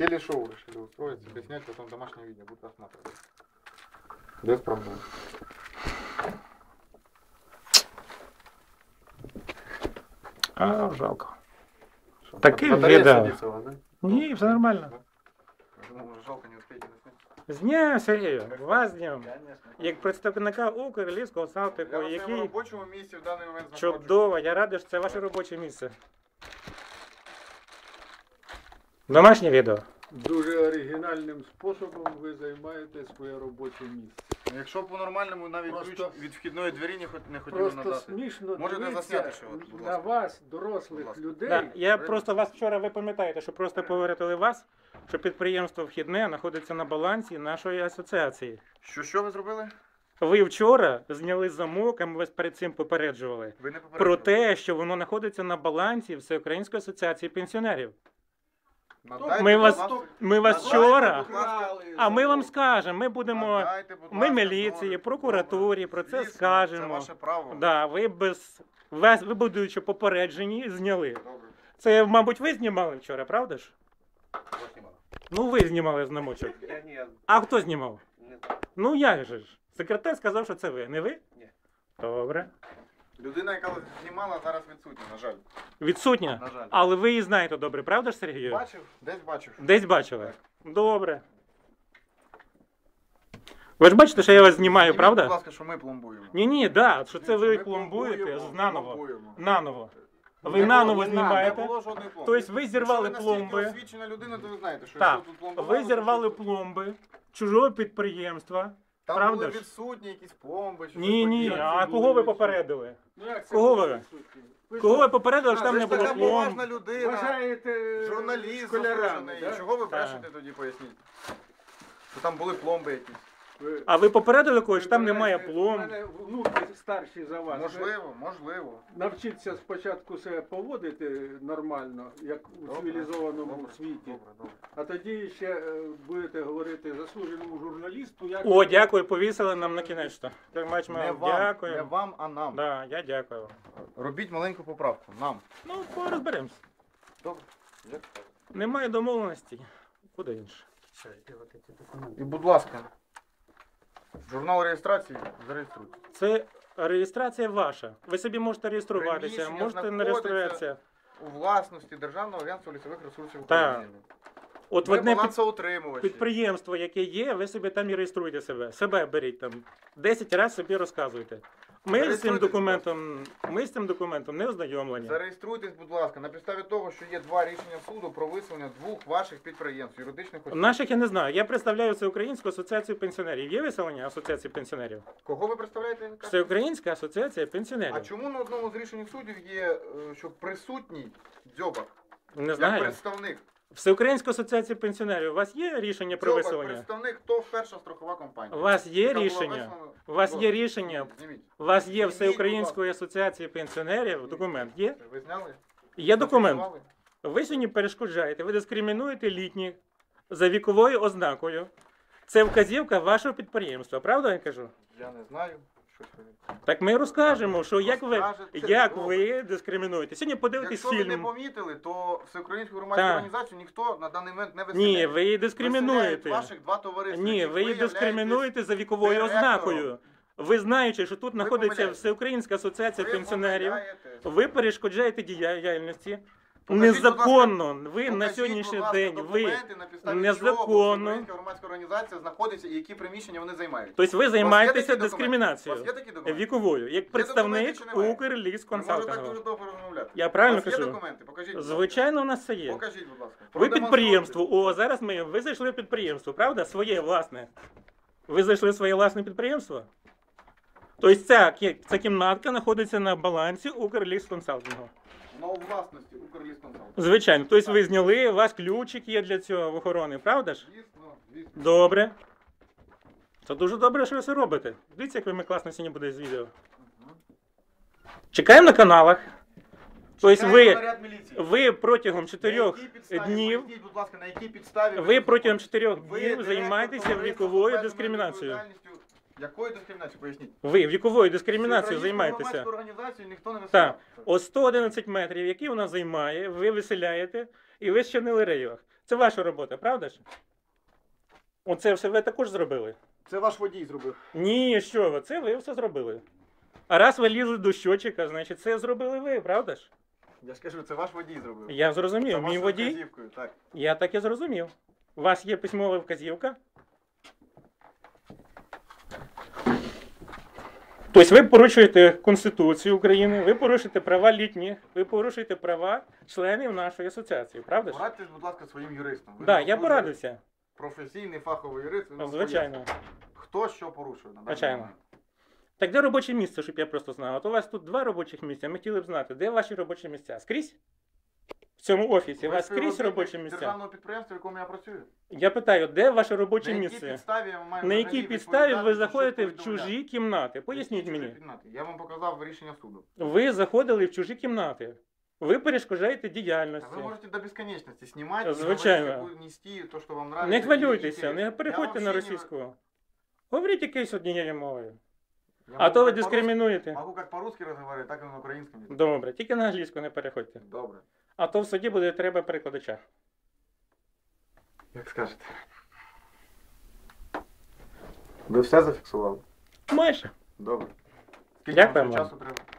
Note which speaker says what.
Speaker 1: Телешоу решили устроить, себе снять, потом домашнее видео, будут рассматривать. Без проблем.
Speaker 2: А, жалко.
Speaker 1: Что,
Speaker 2: Такие
Speaker 1: батарея
Speaker 2: вида.
Speaker 1: садится у вас, да?
Speaker 2: Ні, все нормально.
Speaker 1: Ну, жалко, не успеете заснять.
Speaker 2: З днем, Сергію, вас з днем.
Speaker 1: Конечно.
Speaker 2: Як представника Укрлісського
Speaker 1: Я
Speaker 2: салтику,
Speaker 1: на своєму
Speaker 2: який
Speaker 1: робочому місці в даний момент знаходжусь.
Speaker 2: чудово, я радий, що це ваше робоче місце. Домашнє відео.
Speaker 3: Дуже оригінальним способом ви займаєте своє робоче місце.
Speaker 1: Якщо по-нормальному навіть
Speaker 3: Просто-
Speaker 1: ключ від вхідної двері не хотіли
Speaker 3: Просто
Speaker 1: надати.
Speaker 3: смішно
Speaker 1: Можете
Speaker 3: дивитися
Speaker 1: засняти ще, от, будь
Speaker 3: на
Speaker 1: ласка.
Speaker 3: вас,
Speaker 1: Будь
Speaker 3: дорослих
Speaker 1: ласка.
Speaker 3: людей.
Speaker 2: Да, я просто вас вчора, ви пам'ятаєте, що просто поверили вас, що підприємство вхідне знаходиться на балансі нашої асоціації.
Speaker 1: Що ви зробили?
Speaker 2: Ви вчора зняли замок, а ми вас перед цим попереджували.
Speaker 1: Ви не
Speaker 2: Про
Speaker 1: попередили.
Speaker 2: те, що воно знаходиться на балансі Всеукраїнської асоціації пенсіонерів.
Speaker 1: Надайте,
Speaker 2: Ми
Speaker 1: будь
Speaker 2: вас,
Speaker 1: ласка,
Speaker 2: ми вас
Speaker 1: надайте,
Speaker 2: вчора,
Speaker 1: будь ласка,
Speaker 2: а ми вам скажемо, ми будемо,
Speaker 1: надайте, будь
Speaker 2: ми
Speaker 1: ласка,
Speaker 2: міліції,
Speaker 1: добре,
Speaker 2: прокуратурі, про це
Speaker 1: Звісно,
Speaker 2: скажемо.
Speaker 1: Це ваше право.
Speaker 2: Да, ви ви будучи попереджені, зняли.
Speaker 1: Добре.
Speaker 2: Це, мабуть, ви знімали вчора, правда ж?
Speaker 1: Хто знімав?
Speaker 2: Ну, ви знімали знамочок.
Speaker 1: Я ні,
Speaker 2: А хто знімав?
Speaker 1: не знаю.
Speaker 2: Ну, як же ж? Секретар сказав, що це ви. Не ви?
Speaker 1: Ні.
Speaker 2: Добре.
Speaker 1: Людина, яка знімала, зараз відсутня, на жаль.
Speaker 2: Відсутня?
Speaker 1: На жаль.
Speaker 2: Але ви її знаєте добре, правда ж, Сергію?
Speaker 1: Бачив? Десь бачив.
Speaker 2: Десь бачили? Добре. Ви ж бачите, що я вас знімаю,
Speaker 1: Зніміть,
Speaker 2: правда?
Speaker 1: будь ласка, що ми пломбуємо.
Speaker 2: Ні, да, що це ви
Speaker 1: Ми
Speaker 2: пломбуєте наново.
Speaker 1: пломбуємо.
Speaker 2: Наново.
Speaker 1: Не
Speaker 2: Ви наново
Speaker 1: було,
Speaker 2: знімаєте.
Speaker 1: Не було жодної пломби.
Speaker 2: Тобто ви зірвали
Speaker 1: Якщо ви
Speaker 2: пломби.
Speaker 1: настільки освічена людина, то ви знаєте, що
Speaker 2: Так,
Speaker 1: якщо тут пломба...
Speaker 2: ви зірвали пломби чужого підприємства.
Speaker 1: Там
Speaker 2: правда
Speaker 1: були
Speaker 2: ж?
Speaker 1: відсутні якісь пломби. чи
Speaker 2: Ні,
Speaker 1: щось
Speaker 2: ні,
Speaker 1: подібне.
Speaker 2: а кого ви попередили?
Speaker 3: Ну, як це
Speaker 2: Кого
Speaker 3: було
Speaker 2: ви?
Speaker 3: відсутні? Ви
Speaker 2: Кого
Speaker 3: що,
Speaker 2: ви попередили, що там
Speaker 1: Ви
Speaker 2: не
Speaker 1: ж
Speaker 2: було
Speaker 1: така
Speaker 2: пломб?
Speaker 1: поважна людина,
Speaker 3: вважаєте
Speaker 1: журналіст
Speaker 3: школярами,
Speaker 1: заслужений.
Speaker 3: да?
Speaker 1: Чого ви
Speaker 2: Так.
Speaker 1: брешете тоді, поясніть? Що там були пломби якісь?
Speaker 3: Ви-
Speaker 2: А ви попередили когось, що там
Speaker 3: ви
Speaker 2: немає
Speaker 3: знаєте,
Speaker 2: пломб?
Speaker 3: в мене внуки старші за вас. Ви
Speaker 1: Можливо, можливо.
Speaker 3: навчіться спочатку себе поводити нормально, як у
Speaker 1: Добре,
Speaker 3: цивілізованому
Speaker 1: добре,
Speaker 3: світі.
Speaker 1: Добре, добре.
Speaker 3: А тоді ще будете говорити заслуженому журналісту, як
Speaker 2: О, дякую, повісили нам на кінець. Так,
Speaker 1: Не вам,
Speaker 2: дякую.
Speaker 1: не вам, а нам.
Speaker 2: Да, я дякую.
Speaker 1: Робіть маленьку поправку. Нам.
Speaker 2: Ну, розберемось.
Speaker 1: Добре.
Speaker 2: Немає домовленості. Куди інше?
Speaker 1: І, будь ласка, журнал реєстрації зареєструйте.
Speaker 2: Це реєстрація ваша. Ви собі можете реєструватися,
Speaker 1: Приміщення
Speaker 2: можете не
Speaker 1: знаходиться
Speaker 2: реєструватися.
Speaker 1: У власності Державного агентства лісових ресурсів
Speaker 2: Так.
Speaker 1: України.
Speaker 2: От в
Speaker 1: Ви
Speaker 2: одне
Speaker 1: балансоутримувачі.
Speaker 2: підприємство, яке є, ви собі там і реєструйте себе. Себе беріть там. 10 разів собі розказуйте. Ми з цим документом не ознайомлені.
Speaker 1: Зареєструйтесь, будь ласка, на підставі того, що є два рішення суду про виселення двох ваших підприємств, юридичних осіб.
Speaker 2: Наших я не знаю. Я представляю Всеукраїнську асоціацію пенсіонерів. Є виселення асоціації пенсіонерів?
Speaker 1: Кого ви представляєте?
Speaker 2: Всеукраїнська асоціація
Speaker 1: А
Speaker 2: пенсіонерів.
Speaker 1: чому на одному з рішень судів є, що присутній Дзьобак,
Speaker 2: Не
Speaker 1: як
Speaker 2: знаю.
Speaker 1: представник?
Speaker 2: Всеукраїнська асоціація пенсіонерів. У вас є рішення про
Speaker 1: Дзьобак,
Speaker 2: виселення?
Speaker 1: представник, ТОВ перша страхова компанія.
Speaker 2: У вас є
Speaker 1: Яка була
Speaker 2: рішення?
Speaker 1: вислана-
Speaker 2: У вас є
Speaker 1: Ось,
Speaker 2: рішення?
Speaker 1: зніміть.
Speaker 2: У вас є
Speaker 1: Зніміть,
Speaker 2: Всеукраїнської асоціації пенсіонерів документ? Є?
Speaker 1: Ви зняли?
Speaker 2: Є документ.
Speaker 1: Зафіксували?
Speaker 2: Ви сьогодні перешкоджаєте, ви дискримінуєте літніх за віковою ознакою. Це вказівка вашого підприємства, правда я кажу?
Speaker 1: Я не знаю. Щось ви...
Speaker 2: Так ми розкажемо, що як
Speaker 1: Розкажете,
Speaker 2: ви дискримінуєте. Сьогодні подивитесь
Speaker 1: Якщо ви не
Speaker 2: фільм.
Speaker 1: помітили, то всеукраїнську громадську
Speaker 2: Так.
Speaker 1: організацію ніхто на даний момент не виселяє.
Speaker 2: Ні, ви її дискримінуєте.
Speaker 1: Виселяють ваших два товариства.
Speaker 2: Ні,
Speaker 1: яких
Speaker 2: ви її
Speaker 1: являєтесь
Speaker 2: дискримінуєте за віковою
Speaker 1: директором.
Speaker 2: ознакою. Ви знаючи, що тут знаходиться
Speaker 1: помиляєтесь.
Speaker 2: Всеукраїнська асоціація
Speaker 1: Ви
Speaker 2: пенсіонерів,
Speaker 1: помиляєтесь.
Speaker 2: ви перешкоджаєте діяльності.
Speaker 1: Покажіть,
Speaker 2: Незаконно. Ви
Speaker 1: Покажіть,
Speaker 2: на
Speaker 1: будь
Speaker 2: сьогоднішній
Speaker 1: ласка,
Speaker 2: день ви
Speaker 1: документи, на підставі
Speaker 2: незаконно.
Speaker 1: чого Всеукраїнська громадська організація знаходиться і які приміщення вони займають.
Speaker 2: Тобто ви
Speaker 1: такі
Speaker 2: займаєтеся
Speaker 1: документи?
Speaker 2: дискримінацією
Speaker 1: У вас є такі документи?
Speaker 2: віковою, як представник
Speaker 1: документи чи немає? Ви можете так
Speaker 2: Укрлісконсалтингу.
Speaker 1: дуже довго розмовляти.
Speaker 2: Я правильно
Speaker 1: У вас є
Speaker 2: кажу?
Speaker 1: документи? Покажіть. будь ласка.
Speaker 2: Звичайно, у нас це є.
Speaker 1: Покажіть, будь ласка.
Speaker 2: Ви
Speaker 1: Продемонструйте.
Speaker 2: підприємство. О, зараз ви зайшли в підприємство, правда? Своє власне. Ви зайшли в своє власне підприємство? Тобто ця кімнатка знаходиться на балансі Укрлісконсалтингу.
Speaker 1: На у власності Укрлісконсалт.
Speaker 2: Звичайно. Тобто ви зняли, у вас ключик є для цього в охорони, правда ж?
Speaker 1: Звісно.
Speaker 2: Добре. Це дуже добре, що ви це робите. Дивіться, як ви класно сьогодні буде з відео. Чекаємо на каналах. Тобто
Speaker 1: Чекаємо наряд міліції.
Speaker 2: ви протягом 4
Speaker 1: На якій підставі?
Speaker 2: днів,
Speaker 1: Поясніть, будь ласка, на якій підставі
Speaker 2: ви протягом 4
Speaker 1: ви
Speaker 2: днів
Speaker 1: директор
Speaker 2: займаєтеся
Speaker 1: товариства з
Speaker 2: віковою
Speaker 1: обмеженою
Speaker 2: дискримінацією.
Speaker 1: відповідальністю. Якою дискримінацією? Поясніть.
Speaker 2: Ви віковою дискримінацією
Speaker 1: Всеукраїнську
Speaker 2: займаєтеся.
Speaker 1: громадську організацію ніхто не
Speaker 2: Так.
Speaker 1: висував.
Speaker 2: О 111 метрів, які вона займає, ви виселяєте і ви зчинили рейвах. Це ваша робота, правда ж? Оце все ви також зробили?
Speaker 1: Це ваш водій зробив.
Speaker 2: Ні, що ви, це ви все зробили. А раз ви лізли до щотчика, значить це зробили ви, правда ж?
Speaker 1: Я ж кажу, це ваш водій зробив.
Speaker 2: Я зрозумів,
Speaker 1: За
Speaker 2: мій
Speaker 1: вашою
Speaker 2: водій.
Speaker 1: вказівкою, так.
Speaker 2: Я так і зрозумів. У вас є письмова вказівка? Тобто ви порушуєте Конституцію України, ви порушуєте права літніх, ви порушуєте права членів нашої асоціації, правда ж?
Speaker 1: Порадьтесь, будь ласка, своїм юристом. Ви
Speaker 2: Так, я
Speaker 1: дуже
Speaker 2: порадився.
Speaker 1: Професійний фаховий юрист. ви нам
Speaker 2: Звичайно.
Speaker 1: поясните, хто що порушує на даний
Speaker 2: Звичайно.
Speaker 1: момент.
Speaker 2: Так де робоче місце, щоб я просто знав? От у вас тут 2 робочих місця, ми хотіли б знати, де ваші робочі місця? Скрізь? В цьому офісі? У
Speaker 1: Ви
Speaker 2: вас скрізь
Speaker 1: співробітник
Speaker 2: робочі місця?
Speaker 1: державного підприємства, в якому я працюю.
Speaker 2: Я питаю, де ваше робоче
Speaker 1: На якій
Speaker 2: місце?
Speaker 1: підставі я маю
Speaker 2: На якій
Speaker 1: взагалі
Speaker 2: підставі ви
Speaker 1: відповідати,
Speaker 2: заходите
Speaker 1: що
Speaker 2: в
Speaker 1: повідомляти?
Speaker 2: чужі кімнати? Поясніть
Speaker 1: Які
Speaker 2: мені.
Speaker 1: кімнати? Я вам показав рішення суду.
Speaker 2: Ви заходили в чужі кімнати. Ви перешкоджаєте
Speaker 1: А
Speaker 2: діяльності.
Speaker 1: ви можете до безконечності знімати,
Speaker 2: Звичайно.
Speaker 1: нести то, що вам нравится.
Speaker 2: Не
Speaker 1: і
Speaker 2: хвилюйтеся,
Speaker 1: інтересно.
Speaker 2: не переходьте
Speaker 1: Я
Speaker 2: на
Speaker 1: вообще не-
Speaker 2: російську. Говоріть якоюсь однією мовою.
Speaker 1: Я
Speaker 2: А
Speaker 1: можу
Speaker 2: то ви
Speaker 1: як по-русски-
Speaker 2: дискримінуєте.
Speaker 1: Могу як по-русски розмовляти, так і на українському. язикі.
Speaker 2: Добре, тільки на англійську не переходьте.
Speaker 1: Добре.
Speaker 2: А то в суді буде треба перекладача.
Speaker 1: Як скажете. Ви все зафіксували?
Speaker 2: Майже.
Speaker 1: Добре. Скільки
Speaker 2: Дякую
Speaker 1: вам ще
Speaker 2: вам.
Speaker 1: часу треба?